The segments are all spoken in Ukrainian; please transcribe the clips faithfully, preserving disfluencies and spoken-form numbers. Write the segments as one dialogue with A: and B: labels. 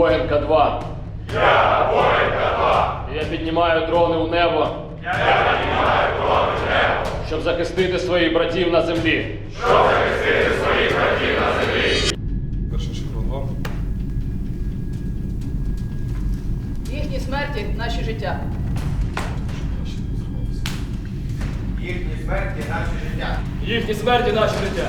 A: воїн К два.
B: Я воїн К два.
A: І я піднімаю дрони у небо,
B: Я піднімаю дрони в небо,
A: щоб захистити своїх братів на землі.
B: щоб захистити своїх братів на землі.
C: Перший шифрон вам.
D: Їхні смерті – наші життя.
E: Їхні смерті – наше життя.
F: Їхні смерті – наше життя.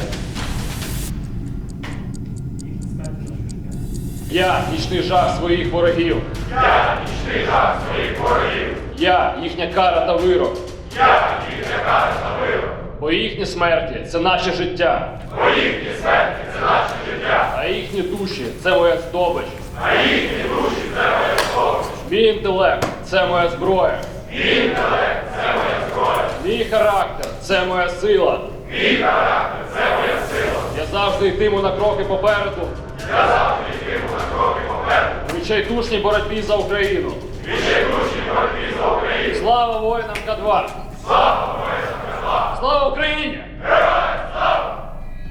A: Я нічний жах своїх ворогів.
B: Я нічний жах своїх ворогів.
A: Я їхня кара та вирок.
B: Я їхня кара та вирок.
A: Бо їхні смерті – це наше життя.
B: Бо їхні смерті – це наше життя.
A: А їхні душі – це моя здобич.
B: А їхні душі – це моя здобич.
A: Мій інтелект – це моя зброя.
B: Мій інтелект – це моя зброя.
A: Мій характер – це моя сила.
B: Мій характер – це моя сила.
A: Я завжди йтиму на кроки попереду.
B: Я завжди йтиму на кроки попереду.
A: У відчайдушній боротьбі за Україну.
B: Відчайдушній боротьбі за Україну.
A: Слава воїнам К два!
B: Слава воїнам К два!
A: Слава Україні!
B: Героям слава!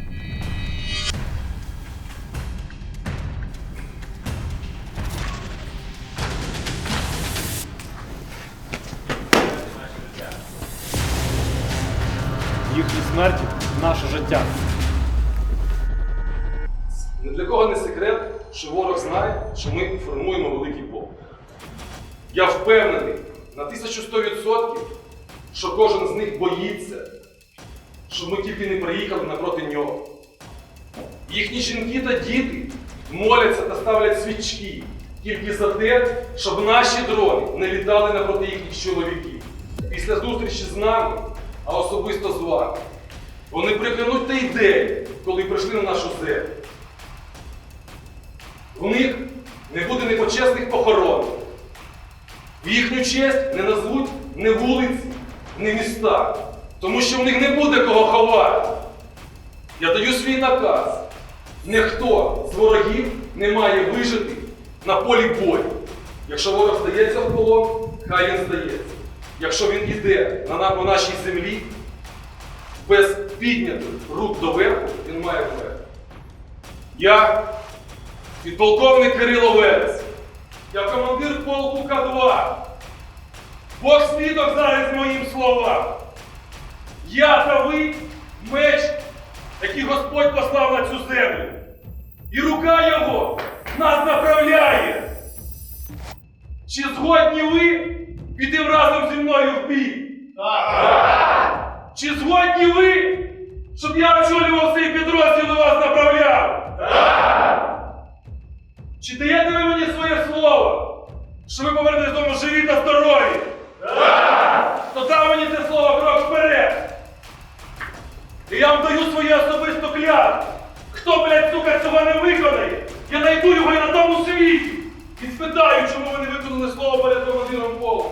F: Їхні смерті – наше життя.
C: Ні для кого не секрет, що ворог знає, що ми формуємо великий полк. Я впевнений на тисячу сто відсотків, що кожен з них боїться, щоб ми тільки не приїхали напроти нього. Їхні жінки та діти моляться та ставлять свічки тільки за те, щоб наші дрони не літали напроти їхніх чоловіків. Після зустрічі з нами, а особисто з вами, вони приклянуть той день, коли прийшли на нашу землю. У них не буде непочесних похорон. В їхню честь не назвуть ні вулиці, ні міста, тому що в них не буде кого ховати. Я даю свій наказ. Ніхто з ворогів не має вижити на полі бою. Якщо ворог здається в полон, хай він здається. Якщо він іде на, по нашій землі, без піднятих рук доверху, він має вмерти. Я підполковник Кирило Верес. Я командир полку К два. Бог свідок зараз моїм словам. Я та ви – меч, який Господь послав на цю землю. І рука Його нас направляє. Чи згодні ви піти разом зі мною в бій? Так! Чи згодні ви, щоб я очолював цей підрозділ і вас направляв?
B: Так!
C: Чи даєте ви мені своє слово, що ви повернетесь додому живі та здорові?
B: Так!
C: То дав мені це слово крок вперед. І я вам даю своє особисто клятву. Хто, блядь, сука, цього не виконає, я знайду його і на тому світі. І спитаю, чому ви не виконали слово перед командиром полку.